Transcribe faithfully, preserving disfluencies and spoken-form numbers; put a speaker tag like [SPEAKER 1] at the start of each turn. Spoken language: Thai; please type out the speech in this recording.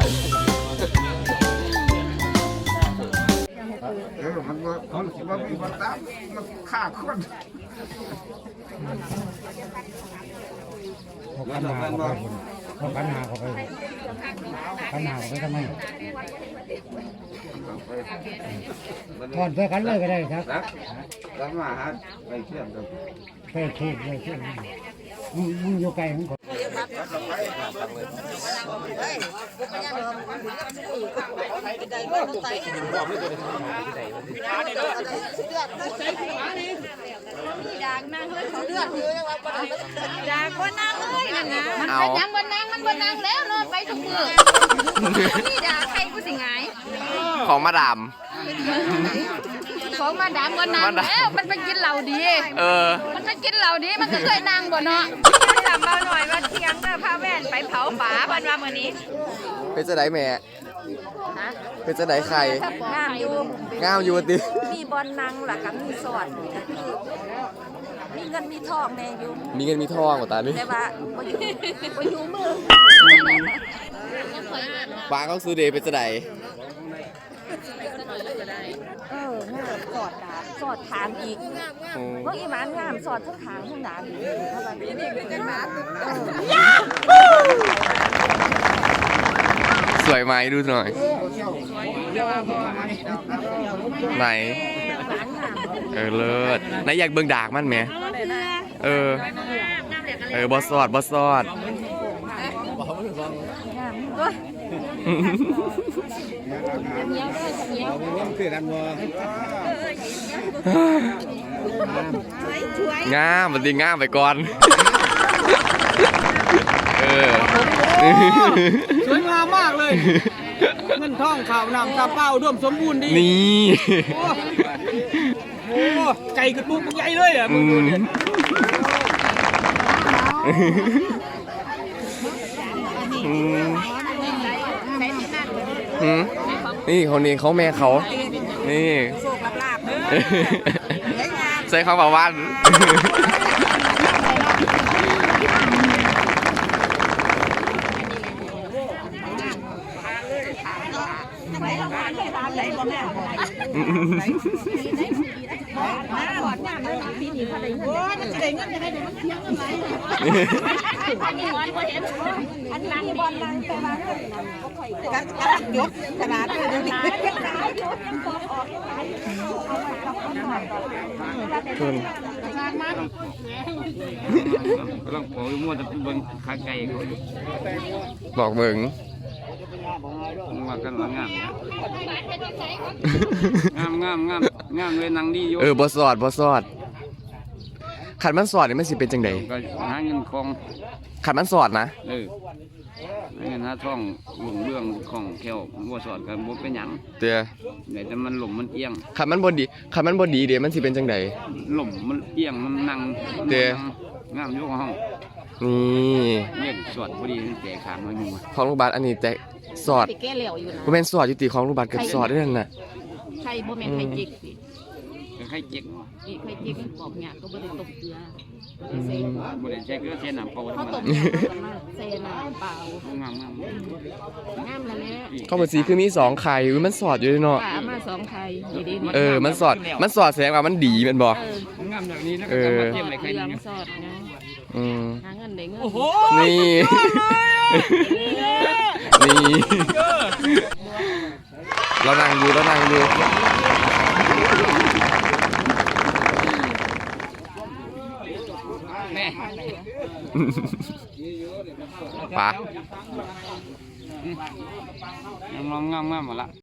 [SPEAKER 1] เออมันว่ามันมันมีมันตามมันฆ่าคน
[SPEAKER 2] หกพันหาเขาไปหกพันหาเขาไปพันหาเขาไปทำไมถอนไปกันเลยก็ได้ครับ
[SPEAKER 1] แล้วมาฮะไปเชื่อมกัน
[SPEAKER 2] ไปเชื่อมไปเชื่อมมึงมึงอยู่ไกลมึงขอ
[SPEAKER 3] อยากนั่งเลยเขาเลือดเลยอยากว่านั่งเลยนั่นนะมันไปยังบนนั่งมันบนนั่งแล้วนอนไปทุกมือนี่ด่าใครกูสิไง
[SPEAKER 4] ของมาดาม
[SPEAKER 3] ของมาดามบนนั่งแล้วมันไปกินเหล้าดี
[SPEAKER 4] เออ
[SPEAKER 3] มันไปกินเหล้าดีมันก็เคยนั่งบ่เนาะจำเราหน่อยว่าเที่ยงก็พาแว่นไปเผาป่าบันว่ามื้อนี้
[SPEAKER 4] เป็นจะไหนแม่เป็นจะไหนใครง
[SPEAKER 3] ามอยู่
[SPEAKER 4] งามอยู่ติ
[SPEAKER 3] มีบอลนั่งหลักกับมีสอดมีเงินมีทองแน่อยู่
[SPEAKER 4] มีเงินมีทองกว่าตานี่
[SPEAKER 3] แต่ว่าบ่อยู่บ่อยู่มือ
[SPEAKER 4] ปางเขาซื้อเดย์เป็นจะไหน
[SPEAKER 3] เอองามสอดดาบสอดถามอีกว่าอีหมานงามสอดทั้งถามทั้งดาบอีกเท่าไหร่นี่เป็นกันมา
[SPEAKER 4] สวยไหมดูหน่อยไหนเออเลิศไหนอยากเบิ่งดากมันไหมเออเออบอสอดบอสอดงามมันดีงามไปก่อนเออ
[SPEAKER 5] สวยงามมากเลยเงินทองข่าวนำตาเป้าร่วมสมบูรณ์ดี
[SPEAKER 4] นี่
[SPEAKER 5] โอ้ไก่กระปุกใหญ่เลยอ่ะมึงดูเนี่ย
[SPEAKER 4] นี่คนนี้เขาแม่เขานี่ใส่ข้าวปลาวัน
[SPEAKER 3] อันนี้บอลบ่เห็นอันนี้บอลนั่งไปบ้านกันกันยกขนาดนี้เดี๋ยวนี้
[SPEAKER 4] คุณ
[SPEAKER 1] ก็ต้องขอมั่วจะเป็นบนขาไก่
[SPEAKER 4] บอกเบิ่ง
[SPEAKER 1] ว่ากันว่างามงามงามงามงามเลยนางดีอยู่
[SPEAKER 4] เออบอสอดบอสอดขันมันสอดนี่มันสิเป็นจังได
[SPEAKER 1] ก็หาเงินคอง
[SPEAKER 4] ขันมันสอดนะ
[SPEAKER 1] เออหาเงินหาทองหลงเรื่องของแก้วบัวสอดกันบัวเป็นหยัง
[SPEAKER 4] เตี้ย
[SPEAKER 1] แต่มันหล่มมันเอียง
[SPEAKER 4] ขันมันบดีขันมันบดีเดี๋ยวมันสิเป็นจังได
[SPEAKER 1] หล่มมันเอียงมันนั่ง
[SPEAKER 4] เตี้ย
[SPEAKER 1] งามอยู่ห้อง
[SPEAKER 4] นี่
[SPEAKER 1] เยี่ยมสอดพอดีแจกขางมาอยู่
[SPEAKER 4] ของลูกบาศก์อันนี้แต่สอดบ่แม่นสอดอยู่ติของลูกบาศก์กับสอดได้นั่นน่ะ
[SPEAKER 3] ใช่บ่แม่นไข่จิกสิ
[SPEAKER 1] ไข่จิก
[SPEAKER 3] นี่ไข่จิกบอกหยาก็บ่ได้ต้มเกลือ
[SPEAKER 1] บ่ได้ใช้เกลือใช้น้ำเปล่า
[SPEAKER 3] เขาต้มใส่น้ำเปล่างามงามงามแล้วแหละ
[SPEAKER 4] ข้าวผัดซีคือมีสองไข่มันสอดอยู่ด้วยเนาะ
[SPEAKER 3] มาสองไข่ดีๆ
[SPEAKER 4] เออมันสอดมันสอดแสดงว่ามันดีแม่นบ่
[SPEAKER 1] งามแบบนี้แล้วก็มาเทียมอะไรไข่นี่
[SPEAKER 3] สอดนะ
[SPEAKER 4] อืม
[SPEAKER 3] หาเงินได้เงิน
[SPEAKER 4] นี่นี่เรานั่งอยู่เรานั่งอยู่ปะ
[SPEAKER 1] งามงามงามหมดละ